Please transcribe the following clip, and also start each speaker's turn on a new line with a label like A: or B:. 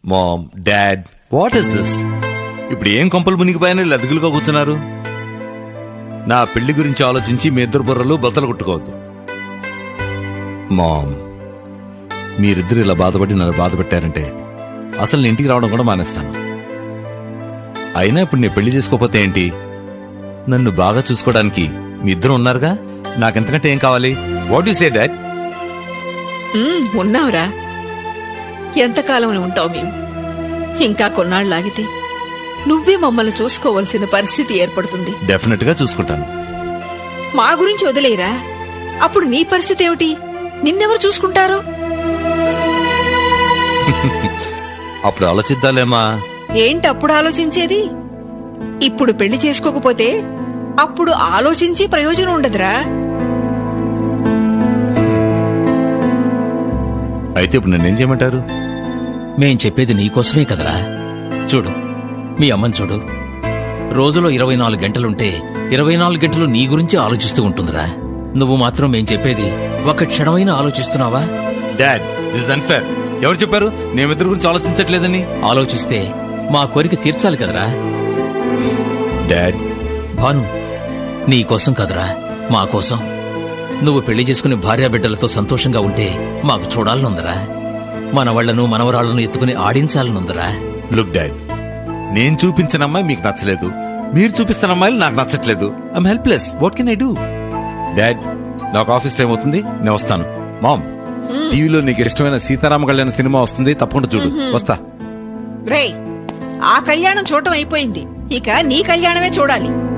A: Ma'am, dad, what is this? ఇప్పుడు ఏం కొంపలు మునిగిపోయాని లదుగులుగా కూర్చున్నారు? నా పెళ్లి గురించి ఆలోచించి మీ ఇద్దరు బుర్రలు బద్దలు కొట్టుకోవద్దు. మామ్, మీరిద్దరు ఇలా బాధపడి నన్ను బాధ పెట్టారంటే అసలు నేను ఇంటికి రావడం కూడా మానేస్తాను. అయినా ఇప్పుడు నేను పెళ్లి చేసుకోకపోతే ఏంటి? నన్ను బాగా చూసుకోవడానికి మీ ఇద్దరు ఉన్నారుగా, నాకెంతకంటే ఏం కావాలి? What you say dad?
B: ఉన్నావురా, ఎంతకాలం ఉంటావు మేము? ఇంకా కొన్నాళ్ళు ఆగితే నువ్వే మమ్మల్ని చూసుకోవలసిన పరిస్థితి ఏర్పడుతుంది.
A: డెఫినెట్ గా చూసుకుంటాను.
B: మా గురించి వదిలేరా, అప్పుడు నీ పరిస్థితి ఏమిటి? నిన్నెవరు చూసుకుంటారు?
A: అప్పుడు ఆలోచిద్దాలేమా.
B: ఏంటి అప్పుడు ఆలోచించేది? ఇప్పుడు పెళ్లి చేసుకోకపోతే అప్పుడు ఆలోచించి ప్రయోజనం ఉండదురా.
A: అయితే ఇప్పుడు నన్నేం చేయమంటారు?
C: మేం చెప్పేది నీకోసమే కదరా. చూడు, మీ అమ్మని చూడు. రోజులో 24 గంటలుంటే 24 గంటలు నీ గురించి ఆలోచిస్తూ ఉంటుందిరా. నువ్వు మాత్రం మేం చెప్పేది ఒక్క క్షణమైనా ఆలోచిస్తున్నావా?
A: Dad, this is unfair. ఎవరు చెప్పారు మేమిద్దరి గురించి ఆలోచించట్లేదని?
C: ఆలోచిస్తే మా కోరిక తీర్చాలి కదరా.
A: డాడ్,
C: భాను, నీ కోసం కదరా, మా కోసం. నువ్వు పెళ్లి చేసుకుని భార్యాబిడ్డలతో సంతోషంగా ఉంటే మాకు చూడాలనుందరా. మన వాళ్లను మనవరాళ్లను ఎత్తుకుని ఆడించాలనుందరా.
A: లుక్ డాడ్, నేను చూపించిన అమ్మాయి మీకు నచ్చలేదు, మీరు చూపిస్తున్న అమ్మాయిలు నాకు నచ్చట్లేదు. I'm helpless. What can I do? Dad, నాకు ఆఫీస్ టైం అవుతుంది, నేను వస్తాను. మామ్, టీవీలో నీకు ఇష్టమైన సీతారామ కళ్యాణ సినిమా వస్తుంది, తప్పకుండా చూడు. వస్తా.
B: రేయ్, ఆ కళ్యాణం చూడటం అయిపోయింది, ఇక నీ కళ్యాణమే చూడాలి.